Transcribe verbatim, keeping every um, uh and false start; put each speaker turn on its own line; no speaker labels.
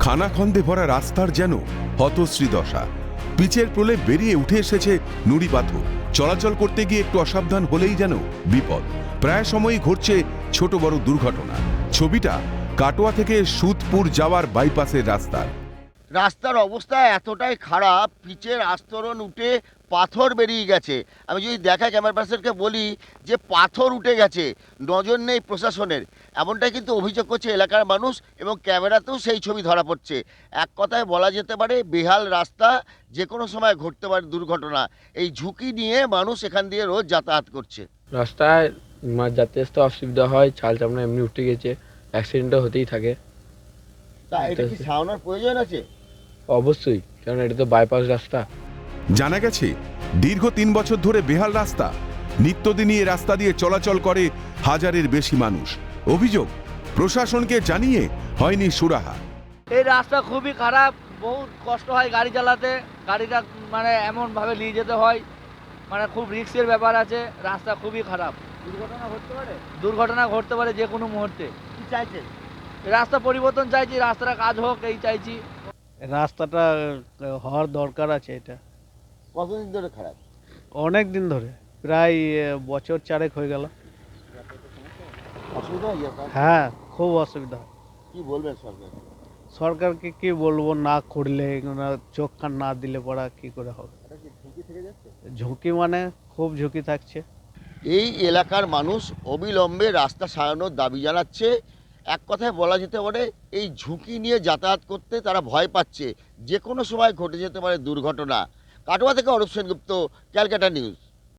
খানাখন্দে ভরা রাস্তার যেন হতশ্রী দশা। পিচের প্রলেপ বেরিয়ে উঠে এসেছে নুড়ি পাথর। চলাচল করতে গিয়ে একটু অসাবধান হলেই যেন বিপদ। প্রায় সময়ই ঘটছে ছোট বড় দুর্ঘটনা। ছবিটা কাটোয়া থেকে সুদপুর যাওয়ার বাইপাসের রাস্তার।
রাস্তার অবস্থা এতটাই খারাপ, পিচের আস্তরণ উঠে পাথর বেরিয়ে গেছে। আমি যদি দেখা ক্যামেরা পার্সনকে বলি যে পাথর উঠে গেছে, নজর নেই প্রশাসনের, এমনটাই কিন্তু অভিযোগ করছে এলাকার মানুষ, এবং ক্যামেরাতেও সেই ছবি ধরা পড়ছে। এক কথায় বলা যেতে পারে বেহাল রাস্তা, যে কোনো সময় ঘটতে পারে দুর্ঘটনা। এই ঝুঁকি নিয়ে মানুষ এখান দিয়ে রোজ যাতায়াত করছে।
রাস্তায় যাতে আসতে অসুবিধা হয়, চাল চামড়া এমনি উঠে গেছে, অ্যাক্সিডেন্টও হতেই থাকে।
তা এটা কি সারানোর প্রয়োজন আছে?
অবশ্যই, কারণ এটা তো বাইপাস রাস্তা।
জানা গেছে দীর্ঘ তিন বছর ধরে বেহাল রাস্তা। নিত্যদিনই এই রাস্তা দিয়ে চলাচল করে হাজারের বেশি মানুষ। অভিযোগ, প্রশাসনকে জানিয়ে হয়নি সুরাহা।
এই রাস্তা খুবই খারাপ, বহুত কষ্ট হয় গাড়ি চালাতে। গাড়িটা মানে এমনভাবে নিয়ে যেতে হয়, মানে খুব রিস্কের ব্যাপার আছে। রাস্তা খুবই খারাপ,
দুর্ঘটনা ঘটতে পারে,
দুর্ঘটনা ঘটতে পারে যে কোনো মুহূর্তে।
কি চাইছে?
রাস্তা পরিবর্তন চাইছি, রাস্তাটা কাজ হোক এই চাইছি।
রাস্তাটা হওয়ার দরকার আছে। এটা
কতদিন ধরে খারাপ?
অনেক দিন ধরে, প্রায় বছর চারেক হয়ে গেল।
অসুবিধা হয়ে যাবে?
হ্যাঁ, খুব অসুবিধা হয়।
কি বলবেন সরকার?
সরকারকে কি বলবো, না করলে চোখ কান না দিলে পড়া কি করে হবে। ঝুঁকি মানে খুব ঝুঁকি থাকছে।
এই এলাকার মানুষ অবিলম্বে রাস্তা সারানোর দাবি জানাচ্ছে। এক কথায় বলা যেতে পারে এই ঝুঁকি নিয়ে যাতায়াত করতে তারা ভয় পাচ্ছে, যে কোনো সময় ঘটে যেতে পারে দুর্ঘটনা। কাটোয়া থেকে অরূপ সেনগুপ্ত, ক্যালকাটা নিউজ।